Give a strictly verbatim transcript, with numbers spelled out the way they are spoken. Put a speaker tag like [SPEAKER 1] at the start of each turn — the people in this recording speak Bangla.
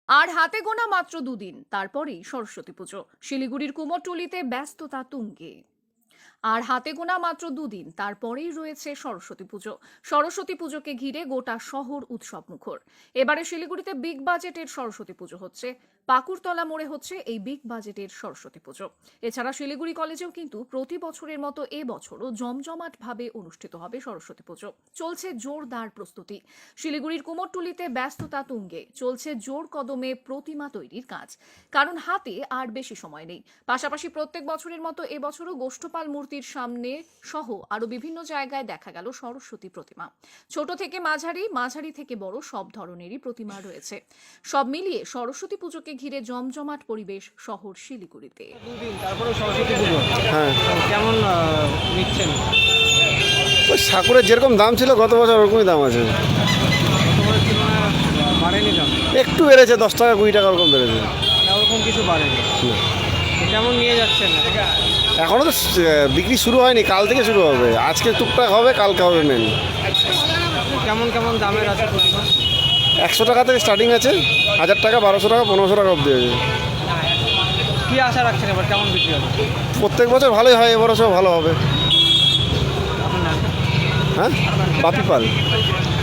[SPEAKER 1] আর হাতে গোনা মাত্র দুদিন, তারপরেই সরস্বতী পুজো। শিলিগুড়ির কুমোরটুলিতে ব্যস্ততা তুঙ্গে। আর হাতে গোনা মাত্র দুদিন, তারপরেই রয়েছে সরস্বতী পুজো। সরস্বতী পুজোকে ঘিরে গোটা শহর উৎসব মুখর। এবারে শিলিগুড়িতে বিগ বাজেটের সরস্বতী পুজো হচ্ছে। পাকুড়তলা মোড়ে হচ্ছে এই বিগ বাজেটের সরস্বতী পুজো। এছাড়া শিলিগুড়ি কলেজেও কিন্তু প্রতি বছরের মতো এবছরও জমজমাট ভাবে অনুষ্ঠিত হবে সরস্বতী পুজো। চলছে জোরদার প্রস্তুতি। শিলিগুড়ির কুমোরটুলিতে ব্যস্ততা তুঙ্গে। চলছে জোর কদমে প্রতিমা তৈরির কাজ, কারণ হাতে আর বেশি সময় নেই। পাশাপাশি প্রত্যেক বছরের মতো এবছরও গোষ্ঠপাল মূর্তির সামনে সহ আরো বিভিন্ন জায়গায় দেখা গেল সরস্বতী প্রতিমা। ছোট থেকে মাঝারি, মাঝারি থেকে বড় সব ধরনেরই প্রতিমা রয়েছে। সব মিলিয়ে সরস্বতী পুজোকে ঘিরে জমজমাট পরিবেশ শহর শিলিগুড়িতে।
[SPEAKER 2] দুদিন তারপরে সরস্বতী পুজো।
[SPEAKER 3] হ্যাঁ,
[SPEAKER 2] তো কেমন আহ, নিচ্ছেন?
[SPEAKER 3] ওই ঠাকুরের যেরকম দাম ছিল গত বছর ওরকমই দাম আছে।
[SPEAKER 2] তোমার তুলনায় বাড়েনি দাম?
[SPEAKER 3] একটু বেড়েছে, দশ টাকা কুড়ি টাকা ওরকম বেড়েছে।
[SPEAKER 2] না, ওরকম কিছু বাড়েনি। তো কেমন নিয়ে যাচ্ছেন?
[SPEAKER 3] এখনও তো স- বিক্রি শুরু হয়নি, কাল থেকে শুরু হবে। আজকে টুকটাক হবে, কালকে হবে মেন।
[SPEAKER 2] কেমন কেমন দামের আছে প্রতিমা?
[SPEAKER 3] একশো টাকা থেকে স্টার্টিং আছে, হাজার টাকা, বারোশো টাকা, পনেরোশো টাকা অবধি আছে।
[SPEAKER 2] কি আশা রাখছেন এবার, কেমন বিক্রি হবে?
[SPEAKER 3] প্রত্যেক বছর ভালোই হয়, এবারও সব ভালো হবে।
[SPEAKER 2] আপনার নাম?
[SPEAKER 3] হ্যাঁ, বাপি পাল।